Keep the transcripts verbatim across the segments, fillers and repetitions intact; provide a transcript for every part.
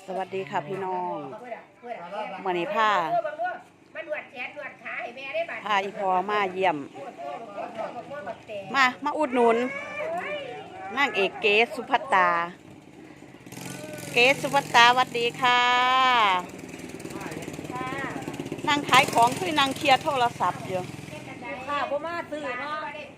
สวัสดีค่ะพี่น้องเมื่อนี้ผ้าผ้าอีพอมาเยี่ยมมามาอุดหนุนนางเอกเกศสุภัตตาเกศสุภัตตาสวัสดีค่ะนางขายของคือนางเคลียร์โทรศัพท์อยู่ค่ะพ่อมาซื้อเนาะ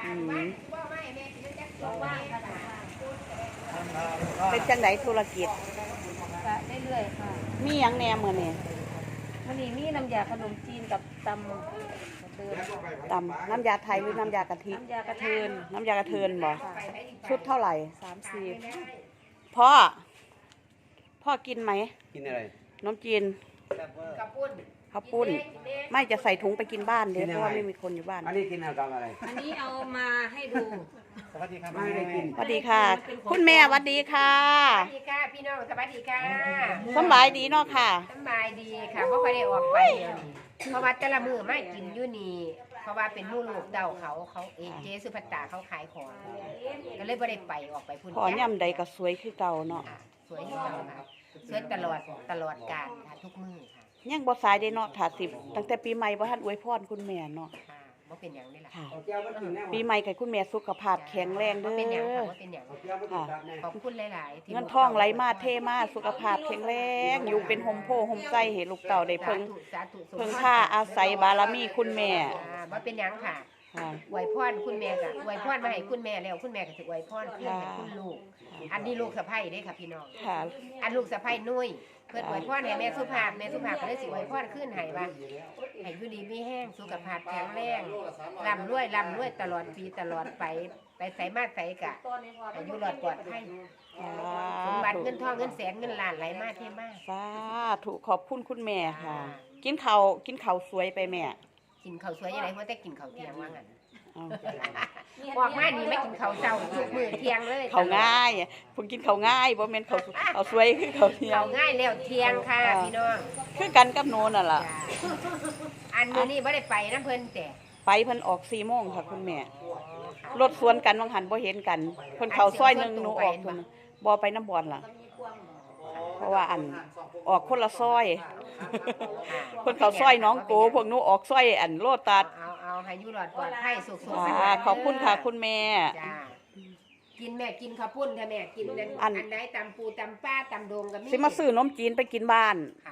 เป็นจังไดธุรกิจเรื่อยๆค่ะมีหยังแหน่มื้อนี้มื้อนี้มีน้ำยาขนมจีนกับตำกระเทินตำน้ำยาไทยหรือน้ำยากะทิน้ำยากระเทินน้ำยากระเทินบ่ชุดเท่าไหร่สามสิบพ่อพ่อกินไหมกินอะไรน้ำจีนข้าวปุ้นข้าวปุ้นไม่จะใส่ถุงไปกินบ้านเดี๋ยวเพราะว่าไม่มีคนอยู่บ้านอันนี้กินเอาตามอะไรอันนี้เอามาให้ดูสวัสดีครับไม่ได้กินสวัสดีค่ะคุณแม่สวัสดีค่ะสวัสดีค่ะพี่น้องสวัสดีค่ะสบายดีเนาะค่ะสบายดีค่ะเพราะเขาได้ออกไปเดี๋ยวนี้เพราะว่าแต่ละมือไม่กินอยู่นี่เพราะว่าเป็นมู่ลูกเดาเขาเขาเอเจสุภัตตาเขาขายของก็เลยไม่ได้ไปออกไปพุ่นขอย่ำใดก็สวยคือเก่าเนาะสวยที่เก่าค่ะสวยตลอดตลอดกาลค่ะทุกมือค่ะยังบ่สายได้เนาะถ้าสิบตั้งแต่ปีใหม่บ่ทันอวยพรคุณแม่เนาะค่ะบ่เป็นหยังนี่ล่ะค่ะปีใหม่ให้คุณแม่สุขภาพแข็งแรงเด้อบ่เป็นหยังค่ะบ่เป็นหยังค่ะขอบคุณหลายๆเงินทองไหลมาเทมาสุขภาพแข็งแรงอยู่เป็นโฮมโพโฮมไส้ให้ลูกเต่าได้เพิ่งเพิ่งค่าอาศัยบารมีคุณแม่บ่เป็นหยังค่ะอวยพรคุณแม่ก็อวยพรมาให้คุณแม่แล้วคุณแม่ก็สิอวยพรคืนให้คุณลูกอันนี้ลูกสะใภ้เด้ค่ะพี่น้องค่ะอันลูกสะใภ้นุ้ยเพิ่นอวยพรให้แม่สุภาพแม่สุภาพก็เลยสิอวยพรขึ้นให้ว่าให้อยู่ดีมีแห้งสุขภาพแข็งแรงร่ำรวยร่ำรวยตลอดปีตลอดไปไปไสมาไสกะอายุรอดปลอดภัยสมบัติเงินทองเงินแสนเงินล้านไหลมาเทมาสาธุขอบคุณคุณแม่ค่ะกินข้าวกินข้าวสวยไปแม่กินข้าวสวยยังไงเพราะแต่กินข้าวเที่ยงว่างั้นออกมานี่ไม่กินข้าวเช้าทุกมื้อเที่ยงเลยข้าวง่ายผมกินข้าวง่ายบ่แม่นข้าวข้าวสวยคือข้าวเที่ยงข้าวง่ายแล้วเที่ยงค่ะพี่น้องคือกันกับโนนน่ะล่ะอันมื้อนี้บ่ได้ไปนำเพิ่นแต่ไปเพิ่นออกสี่โมงค่ะคุณแม่รถสวนกันบางหันบ่เห็นกันเพิ่นเข้าซอยนึงหนูออกเพิ่นบ่ไปน้ำบ่อนล่ะเพราะว่าอันออกคนละซอยคนเขาซอยน้องโกพวกหนูออกซอยอันโลตัสเอาเอาให้อยู่รอดปลอดภัยสุขๆขอบคุณค่ะคุณแม่จ้ากินแม่กินข้าวปุ้นค่ะแม่กินอันไหนตำปูตำป้าตำโดงก็มีสิมาซื้อนมจีนไปกินบ้านค่ะ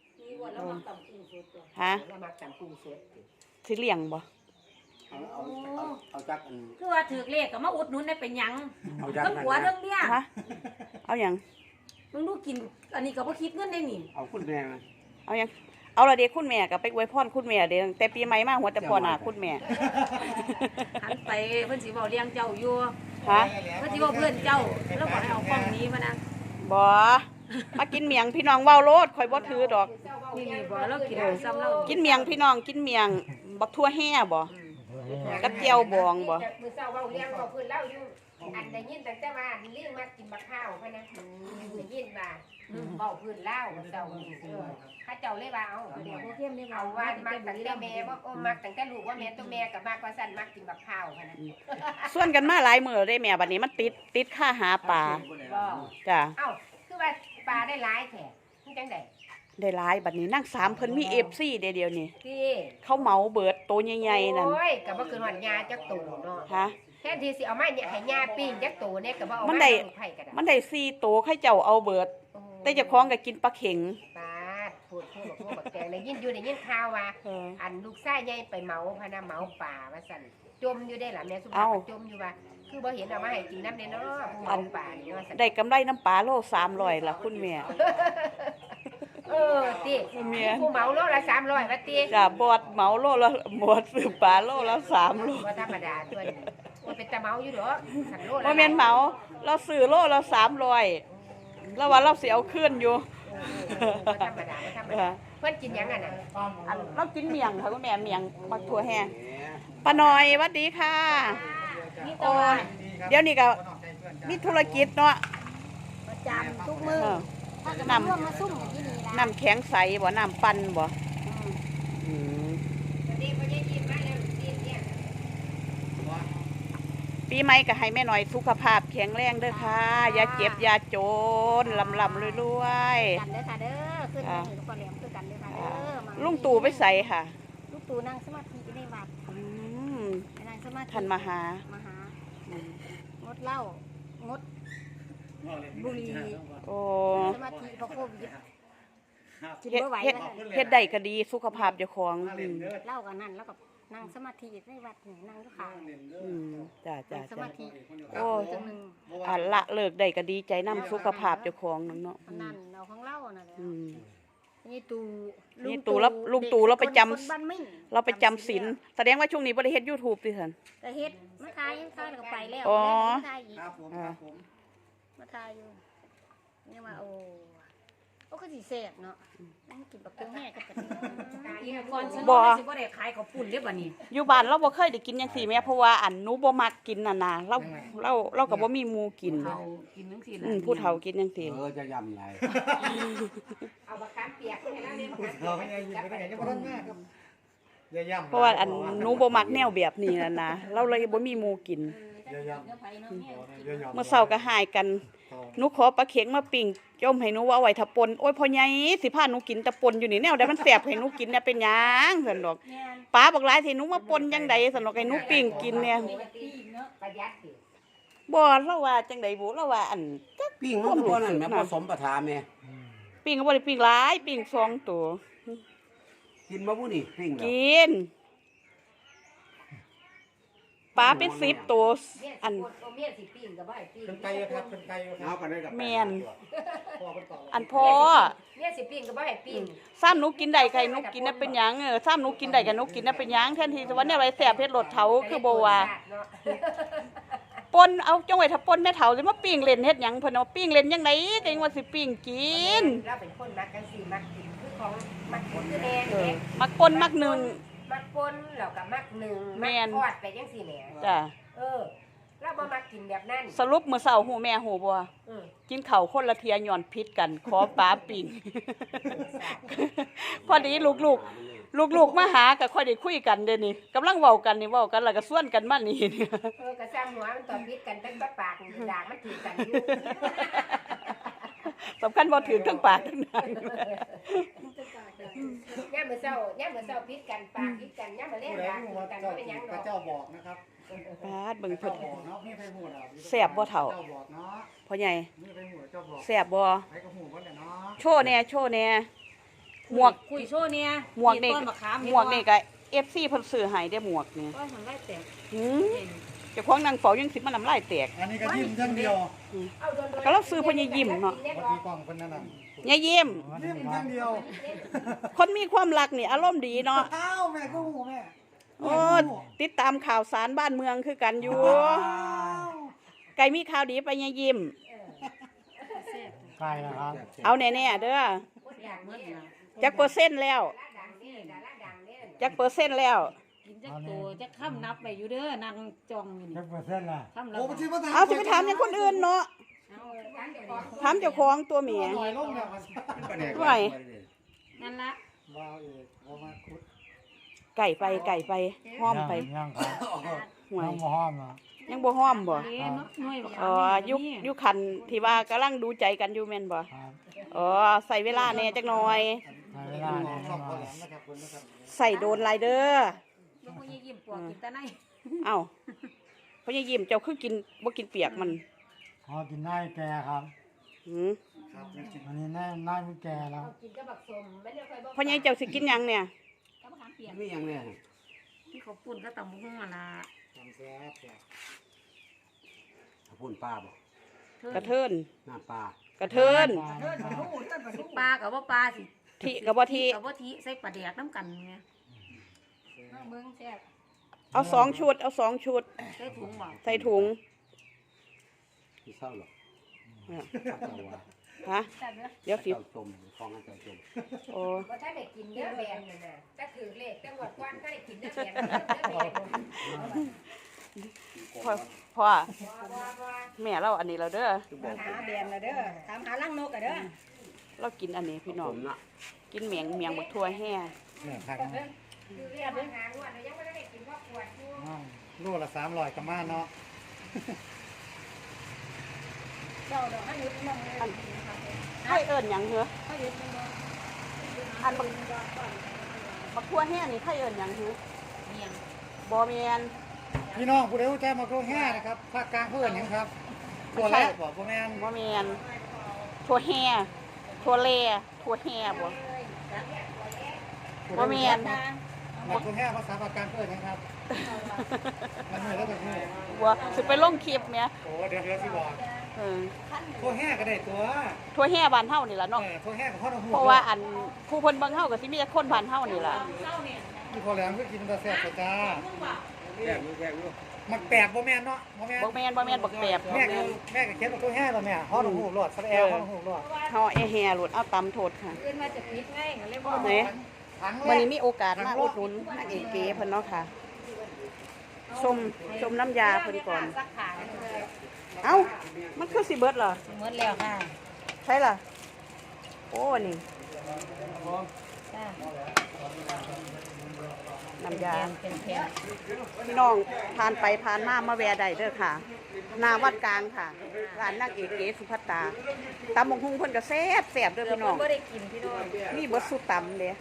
ฮะแล้วมาตำปูสดสิเลี้ยงบ่เอาเอาเอาจักอันคือว่าถือเลขก็มาอุดหนุนได้เป็นหยังเรื่องหัวเรื่องเนี้ยฮะเอาหยังมึงดูกินอันนี้ก็บ่คิดเงินได้นี่เอาคุณแม่มาเอาหยังเอาละเด็กคุณแม่กับไปอวยพรคุณแม่เด้อแต่ปีใหม่มาหัวแต่พอหน้าคุณแม่หันไปเพิ่นสิเว้าเลี้ยงเจ้าอยู่ฮะเพิ่นสิเว้าเพื่อนเจ้าแล้วบอกให้เอากล้องนี้มานะบ่มากินเมียงพี่น้องเว้าโลดข่อยบ่ถือดอกนี่ๆบ่เรากินซ้ำเรากินเมียงพี่น้องกินเมียงบักทั่วแห่บ่กับเจียวบองบ่มื้อเช้าเว้าเลี้ยงเว้าเพิ่นเล่าอยู่อันได้ยินตั้งแต่ว่าเลี้ยงมากินบักข้าวพะนะได้ยินว่าเว้าเพิ่นเล่าเจ้าข้าเจ้าเลยว่าเอาเดี๋ยวเข้มนี่เอาว่ามักตั้งแต่แม่ว่าโอ้มักตั้งแต่ลูกว่าแม่ตัวแม่กับมากกว่าสั่นมักกินบักข้าวพะนะส่วนกันมาหลายมื้อได้แม่บัดนี้มันติดติดค่าหาปลาจ้ะเอ้าคือว่าปลาได้หลายแท้มันจังได๋ได้หลายบัดนี้นั่งสามเพิ่นมี เอฟ ซี เด้เดียวนี่ที่เขาเหมาเบิดโตใหญ่ๆนั่นโอ้ยก็บ่คือฮอดยาจักโตเนาะฮะแทนที่สิเอามาเนี่ยให้ยาปิ้งจักโตเนี่ยก็บ่เอามันได้มันได้สี่โตให้เจ้าเอาเบิดแต่เจ้าของก็กินปลาเข็งปลาพูดพูดพูดบักแตงได้ยินอยู่ได้ยินข่าวว่าอันลูกชายใหญ่ไปเหมาพะนะเหมาป่าว่าซั่นจมอยู่ได้ล่ะแม่สุภาพจมอยู่ว่าคือบ่เห็นเอามาให้กินน้ำเนาะผู้เหมาป่านี่ว่าซั่นได้กำไรน้ำปลาโลสามร้อยล่ะคุณแม่เออติผู้เหมาโลละสามร้อยว่าติจ้ะบอดเหมาโลละบอดซื้อปลาโลละสามร้อยบ่ธรรมดาตัวนี้ว่าเป็นตะเหมาอยู่ดอกสั่งโลละบ่แม่นเหมาเราซื้อโลละสามร้อยแล้วว่าเราสิเอาคืนอยู่บ่ธรรมดาบ่ธรรมดาเพิ่นกินหยังอ่ะน่ะอันเรากินเมียงค่ะคุณแม่เมียงบักถั่วแห้งป้าน้อยสวัสดีค่ะโอ้ยเดี๋ยวนี้ก็มีธุรกิจเนาะประจำทุกมื้อถ้าก็น้ำมาซุ่มอย่างนี้นี่ล่ะน้ำแข็งใสบ่น้ำปั่นบ่อืมปีปีใหม่ก็ให้แม่หน่อยสุขภาพแข็งแรงเด้อค่ะ อย่าเจ็บอย่าจนลำลำรวยๆกันเด้อค่ะเด้อขึ้นมาถึงคนแหลมคือกันเด้อค่ะเด้อมาลุงตู่ไปใส่ค่ะลุงตู่นั่งสมาธิในวัดอืมไปนั่งสมาธิท่านมาหามาหางดเหล้างดบุหรี่โอ้สมาธิเพราะโควิดเฮ็ดเฮ็ดเฮ็ดได้ก็ดีสุขภาพเจ้าของอืมเหล้ากันนั่นแล้วก็นั่งสมาธิในวัดนี่นั่งอยู่ข้างอืมจ้าจ้านั่งสจ้ามาธิโอ้จังหนึงอ่าละเลิกได้ก็ดีใจนำสุขภาพเจ้าของนั่นเนาะอันนั้นเอาของเหล้านั่นแหละอืมนี่ตู่นี่ตู่แล้วลุงตู่แล้วไปจำคนบ้านมิ่งเราไปจำศีลแสดงว่าช่วงนี้บ่ได้เฮ็ด YouTube ติซั่นก็เฮ็ดมาทายยังทายแล้วก็ไปแล้วอ๋อมาทายอีกครับผมครับผมมาทายอยู่นี่ว่าโอ้โอ้ก็สิแซ่บเนาะนั่งกินบักเทิงแห่กับกันอีกก่อนฉันบ่สิบ่ได้ขายข้าวปุ้นเด้อบัดนี้อยู่บ้านเราบ่เคยได้กินจังซี่แม่เพราะว่าอันหนูบ่มักกินน่ะนะเราเราเราก็บ่มีหมู่กินเขากินจังซี่อืมผู้เฒ่ากินจังซี่เออจะยำไรเอาบักขามเปียกให้เราเด้อบักขามเราไม่ได้ยินไม่ได้ยังไม่ต้องแม่ครับอย่าย่ำเพราะว่าอันหนูบ่มักแนวแบบนี้น่ะนะเราเลยบ่มีหมู่กินอย่าย่ำอย่าย่ำเมื่อเช้าก็หายกันหนูขอปลาเข็งมาปิ้งจมให้หนูว่าเอาไว้ถ้าปนโอ้ยพ่อใหญ่สิพาหนูกินแต่ปนอยู่นี่แนวใดมันแซ่บให้หนูกินเนี่ยเป็นหยังซั่นดอกป้าบอกหลายสิหนูมาปนจังใดซั่นดอกให้หนูปิ้งกินเนี่ยประหยัดสิบ่เราว่าจังใดบ่เราว่าอันปิ้งมันตัวนั้นแม่ผสมประทาแม่ปิ้งก็บ่ได้ปิ้งหลายปิ้งสองตัวกินมาผู้นี่ปิ้งแล้วกินปลาเป็นสิบตัว อันเมียสิปิ้งก็บ่ให้ปิ้งเป็นไก่ครับเป็นไก่ครับเอากันได้กับแม่นพ่อเป็นต่ออันพ่อเมียสิปิ้งก็บ่ให้ปิ้งซ้ำหนูกินได้ไก่หนูกินน่ะเป็นหยังเออซ้ำหนูกินได้กับหนูกินน่ะเป็นหยังแทนที่จะว่าเนี่ยอะไรแซ่บเฮ็ดรสเถาคือบ่ว่าปนเอาจังไว้ถ้าปนแม่เฒ่าสิมาปิ้งเล่นเฮ็ดหยังเพิ่นเอาปิ้งเล่นจังไดก็ยังว่าสิปิ้งกินเราเป็นคนมักจังซี่มักกินคือของมักกินคือแน่เออแน่มักปนมักหนึ่งมักปนแล้วก็มักหนึ่งแม่มันกทอดไปจังซี่แหมจ้ะเออเราบ่มักกินแบบนั้นสรุปมื้อเช้าหูแม่หูบ่เออกินข้าวคนละเทียย้อนพิษกัน ขอปลาปิ้ง พอดีลูกๆ ลูกๆมาหาก็ค่อยได้คุยกันเด้อนี่กำลังเว้ากันนี่เว้ากันแล้วก็ส่วนกันมานี่เออกระซ้ำหัวมันตอนพิษกันตั้งปากด่างมันถือกันอยู่สำคัญบ่ถือทั้งปากทั้งหน้าย่ามมื้อเช้าย่ามมื้อเช้าพิษกันปากพิษกันย่ามมื้อแลงด่างถือกันบ่เป็นหยังดอกเจ้าบอกนะครับปาดเบิ่งเพิ่นบอกเนาะพี่ไปหูดเอาแซ่บบ่เฒ่าเจ้าบอกเนาะพ่อใหญ่นี่ไปหูเจ้าบอกแซ่บบ่ไปก็หูว่าแต่เนาะโชว์แหน่โชว์แหน่หมวกคุยโชว์เนี่ยหมวกนี่ต้นมะขามหมวกนี่ก็ เอฟ ซี เพิ่นซื้อให้ได้หมวกนี่ก็มันไล่แตกหือเจ้าของนางเฝ้ายังสิมาน้ำลายแตกอันนี้ก็ยิ้มอย่างเดียวเอาโดนๆก็เราซื้อเพิ่นอย่ายิ้มเนาะวัดที่กล้องเพิ่นนั่นน่ะอย่ายิ้มยิ้มอย่างเดียวคนมีความรักนี่อารมณ์ดีเนาะอ้าวแม่ก็หูแม่โอ้ติดตามข่าวสารบ้านเมืองคือกันอยู่ ไก่มีข่าวดีไปอย่ายิ้มไก่นะครับเอาแน่ๆเด้ออยากเหมือนนะจักเปอร์เซ็นต์แล้วดังนี่ดาราดังเนี่ยจักเปอร์เซ็นต์แล้วกินจักโตจักค่ำนับไปอยู่เด้อนางจองอยู่นี่จักเปอร์เซ็นต์ล่ะค่ำละโอ้มันสิมาถามเอาสิไปถามอย่างคนอื่นเนาะเอาดังเดี๋ยวก่อนถามเจ้าของตัวเมียหน่อยลงเนี่ยมันไหวนั่นละว้าวเอกเอามาคุดไก่ไปไก่ไปห้อมไปยังครับห่วยยังบ่ห้อมอ่ะยังบ่ห้อมบ่เด้เนาะหน่วยบักอ๋อยุคยุคคันที่ว่ากำลังดูใจกันอยู่แม่นบ่ครับอ๋อใส่เวลาแหน่จักหน่อยใช้เวลาเนี่ยหน่อยใส่โดนลายเด้อลูกพ่อยิ้มปวกกินตาในเอ้าพ่อใหญ่ยิ้มเจ้าคือกินบ่กินเปียกมันพอกินได้แก่ครับหืออันนี้แน่น่าไม่แก่แล้วกินกับบักสมไม่ได้ค่อยบอกพ่อใหญ่เจ้าสิกินหยังเนี่ยก็มาถามเปลี่ยนไม่ยังเนี่ยที่เขาปุ่นก็ตำหุ้งอ่ะล่ะทำแซ่บพูนปลาบ่กระเทินหน้าปลากระเทินสิปลากับว่าปลาสิที่กับบ่ที่กับว่าทีใส่ปลาแดกน้ำกันไงน้องเบิ่งแซ่บเอาสองชุด เอาสองชุดใส่ถุงบ่ใส่ถุงที่เศร้าหรอกอ่ะเจ้าว่าฮะแซ่บเด้อเดี๋ยวสิเจ้าจมฟองให้เจ้าจมโอ้ว่าถ้าได้กินเนื้อแบนน่ะนะถ้าถือเลขจังหวัดกว้านถ้าได้กินเนื้อแบนเนื้อแบนพ่อพ่อว่าว่าว่าแม่เราอันนี้เราเด้อหาแบนละเด้อถามหาลังนกอ่ะเด้อเรากินอันนี้พี่น้ผองมน่ะกินเมียงเมียงบักทั่วแห่เนี่ยพักถือเลขมาหางวดแล้วยังไม่ได้กินพ่อปวดอยู่โลละสามร้อยกระมาเนาะเจ้าดอกให้ยุดมองเลยไข่เอิญหยังเหรอให้ยุดมองเลยอันบักบักทั่วแห้นี่ไข่เอิญหยังเหรอเมียงบ่แม่นพี่น้องผู้ใดรู้ใจมาโครงแห่นะครับภาคกลางเพื่อนหยังครับตัวแรกบอกพ่อแม่นบ่แม่นทั่วแห่ทั่วแลทั่วแห่บ่บ่แม่นมาโครงแห่ภาษาภาคกลางเพื่อนหยังครับมันเหนื่อยแล้วแบบนี้บ่สิไปลงคลิปแหมโอ้เดี๋ยวเดี๋ยวสิบอกเออโครงแห่ก็ได้ตัวทั่วแห่บ้านเฮานี่ล่ะเอเนาะอโครงแห่กับพ่อน้องหูเพราะว่าอันผู้เพิ่นเบิ่งเฮาก็สิมีแต่คนบ้านเฮานี่ล่ะที่พอแหลมก็กินตาแซ่บกว่าจ้าแยกอยู่แยกอยู่มักแปบบ่แม่นเนาะบ่แม่นบ่แม่นบ่แม่นบักแปบแม่ก็แม่ก็เขียนว่าโครงแห่แล้วแม่พ่อน้องหูรอดสะแอลพ่อน้องหูรอดเฮาแอแห่หลุดเอาตำโทษค่ะขึ้นมาจะปิดไงก็เลยบ่ไหนถังแรวันกนี้มีโอกาสมาอุดหนุนนางเอกเก๋เพิ่นเนาะค่ะชมชมน้ำยาเพิ่นก่อนสักขาเอ้ามันคือสิเบิดเหรอหมดแล้วค่ะใช่ล่ะโอ้นี่จ้าน้ำยาเป็นแผ่นพี่น้องผ่านไปผ่านมามาแวะได้เด้อค่ะหนาวัดกลางค่ะร้านนางเอกเก๋สุภัตตาตำบักหุ่งเพิ่นก็แซ่บแซ่บเด้อพี่น้องบ่ได้กินพี่น้องมีเบิดสุดตำเด้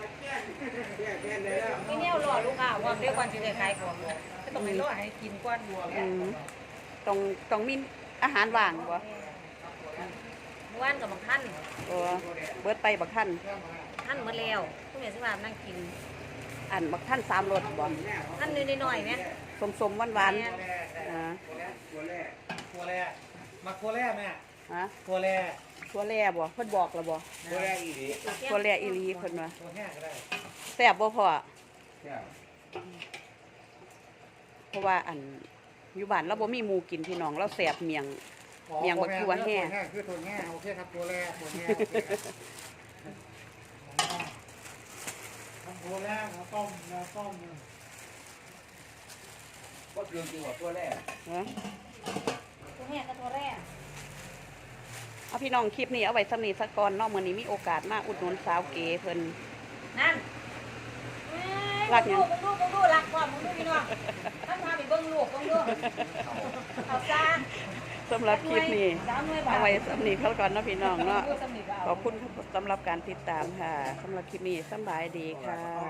พี่เนี่ยรอลูกค้าว่าเดี๋ยวก่อนสิได้ขายของก็ต้องให้รอให้กินก่อนอืมต้องต้องมีอาหารว่างบ่เมื่อวานกับบักท่านเออเบิดไปบักท่านท่านหมดแล้วผู้แม่สิว่านั่งกินอันบักท่านสามรสบ่ท่านน้อยๆแม่สมๆหวานๆอ่าตัวแรกมักตัวแรกแม่ฮะตัวแรกตัวแร่บ่เพิ่นบอกแล้วบ่ตัวแรกอีหลีตัวแร่อีหลีเพิ่นว่าตัวแห้งก็ได้แซ่บบ่พ่อแซ่บเพราะว่าอันอยู่บ้านเราบ่มีหมูกินพี่น้องเราแซ่บเมียง เมียงบักตัวแห้งคือตัวแห้งโอเคครับตัวแรกตัวแห้งตัวแรกต้มนะต้มก็คือจริงว่าตัวแรกฮะตัวแม่กับตัวแรกเอาพี่น้องคลิปนี้เอาไว้สำนีสักก่อนเนาะมื้อนี้มีโอกาสมาอุดหนุนสาวเก๋เพิ่นนั่นรักหยังมึงดูมึงดูรักว่ามึงดูพี่น้องท่านพาไปเบิ่งลูกเบิ่งดูเอาซาสำหรับคลิปนี้สามหน่วยบาทเอาไว้สำนีเขาก่อนเนาะพี่น้องเนาะดูสำนีบาทขอบคุณสำหรับการติดตามค่ะสำหรับคลิปนี้สำบายดีค่ะ